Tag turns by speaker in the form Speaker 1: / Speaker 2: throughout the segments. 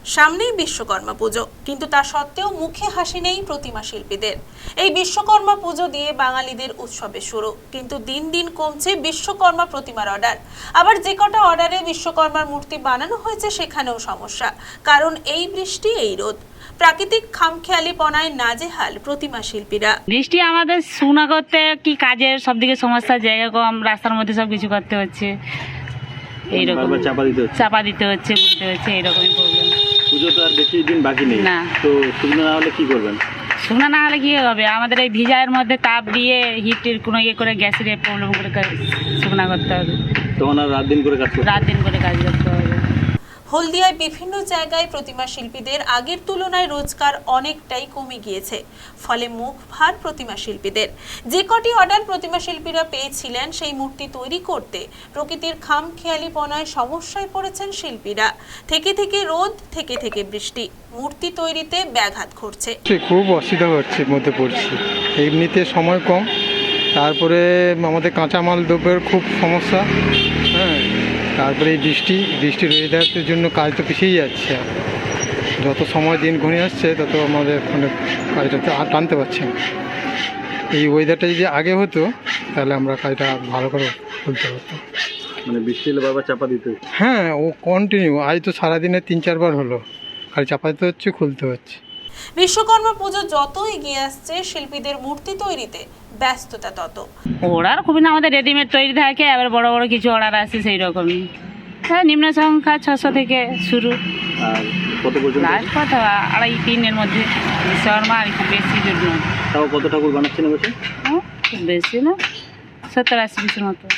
Speaker 1: সামনেই বিশ্বকর্মা পুজো, কিন্তু তা সত্ত্বেও মুখে হাসি নেই প্রতিমা শিল্পীদের। এই বিশ্বকর্মা পুজো দিয়ে বাঙালিদের উৎসবের শুরু, কিন্তু দিন দিন কমছে বিশ্বকর্মা প্রতিমার অর্ডার। আবার যে কটা অর্ডারে বিশ্বকর্মার মূর্তি বানানো হয়েছে সেখানেও সমস্যা, কারণ এই বৃষ্টি এই রোদ। প্রাকৃতিক খামখেয়ালিপনায় নাজেহাল প্রতিমা শিল্পীরা।
Speaker 2: বৃষ্টি আমাদের শুকনা করতে কি কাজের সবদিকে সমস্যা, জায়গা কম, রাস্তার মধ্যে সব কিছু করতে হচ্ছে, এইরকম চাপা দিতে হচ্ছে, বলতে হচ্ছে, এইরকমই প্রবলেম।
Speaker 3: পুজো তো আর বেশি দিন বাকি নেই,
Speaker 2: না
Speaker 3: তো শুকনো না হলে কি করবেন?
Speaker 2: শুকনা না হলে কি হবে, আমাদের এই ভিজায়ের মধ্যে তাপ দিয়ে হিটের কোনো ইয়ে করে গ্যাসের প্রবলেম করে শুকনা করতে হবে।
Speaker 3: তখন আর রাত দিন করে কাজ
Speaker 2: করতে হবে।
Speaker 1: হলদিয়ায় বিভিন্ন জায়গায় প্রতিমা শিল্পীদের আগের তুলনায় রোজগার অনেকটাই কমে গিয়েছে, ফলে মুখ ভার প্রতিমা শিল্পীদের। যে কটি অর্ডার প্রতিমা শিল্পীরা পেয়েছিলেন সেই মূর্তি তৈরি করতে প্রকৃতির খামখেয়ালিপনায় সমস্যায় পড়েছেন শিল্পীরা। থেকে থেকে রোদ, থেকে থেকে বৃষ্টি মূর্তি তৈরিতে ব্যাঘাত ঘটছে।
Speaker 4: খুব অসুবিধা হচ্ছে, মধ্যে পড়ছি। এমনিতে সময় কম, তারপরে আমাদের কাঁচামাল দ্রব্যের খুব সমস্যা। হ্যাঁ, তারপরে এই বৃষ্টির ওয়েদারের জন্য কাজ তো পিছিয়ে যাচ্ছে। যত সময় দিন ঘনিয়ে আসছে তত আমাদের কাজটা আর টানতে পারছি না। এই ওয়েদারটা যদি আগে হতো তাহলে আমরা কাজটা ভালো করে খুলতে পারতাম।
Speaker 3: মানে বৃষ্টি হলে বারবার চাপা দিতে হচ্ছে।
Speaker 4: হ্যাঁ, ও কন্টিনিউ আজ তো সারাদিনে 3-4 বার হলো, খালি চাপা দিতে হচ্ছে, খুলতে হচ্ছে।
Speaker 1: বিশ্বকর্মা পুজো যত এগিয়ে আসছে শিল্পীদের মূর্তি তৈরিতে ব্যস্ততা তত।
Speaker 2: অর্ডার খুবই না, আমাদের রেডিমেড তৈরি থাকে, আবার বড় বড় কিছু অর্ডার আসে সেই রকমই। হ্যাঁ, নিম্ন সংখ্যা 600 থেকে শুরু,
Speaker 3: আর কত পর্যন্ত?
Speaker 2: লাস্ট কথা 2.5-3 এর মধ্যে বিশ্বকর্মা, আর একটু বেশি জন্য।
Speaker 3: তাও কত ঠাকুর বানাচ্ছেন বলছে?
Speaker 2: খুব বেশি না, 70-80 পিসের মতো,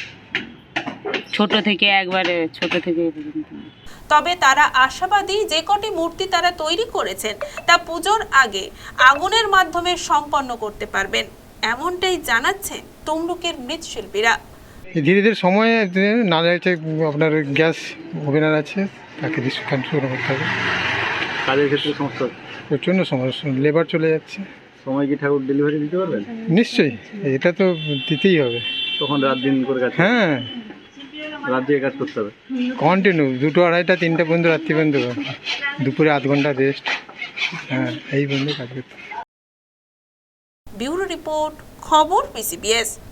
Speaker 2: ছোট থেকে একবারে ছোট থেকে পর্যন্ত।
Speaker 1: তবে তারা আশাবাদী, যে কটি মূর্তি তারা তৈরি করেছেন তা পুজোর আগে আগুনের মাধ্যমে সম্পন্ন করতে পারবেন, এমনটাই জানাচ্ছেন তমলুকের মৃৎশিল্পীরা।
Speaker 4: ধীরে ধীরে সময় না যাচ্ছে, আপনার গ্যাস ওভেনার আছে, তাকে ডিসকাউন্ট শুরু করতে হবে।
Speaker 3: কাজের ক্ষেত্রে সমস্যা,
Speaker 4: প্রচণ্ড সমস্যা, লেবার চলে যাচ্ছে।
Speaker 3: সময় কি ঠাকুর ডেলিভারি দিতে পারবেন?
Speaker 4: নিশ্চয়ই, এটা তো দিতেই হবে।
Speaker 3: তখন রাত দিন করে কাজ?
Speaker 4: হ্যাঁ,
Speaker 3: রাত দিয়ে কাজ করতে হবে
Speaker 4: কন্টিনিউ 2টো, 2:30টা, 3টা পর্যন্ত, রাত্রি পর্যন্ত, দুপুরে 8 ঘন্টা রেস্ট। হ্যাঁ, এই পর্যন্ত কাজ করতে।
Speaker 1: ব্যুরো রিপোর্ট, খবর PCBS।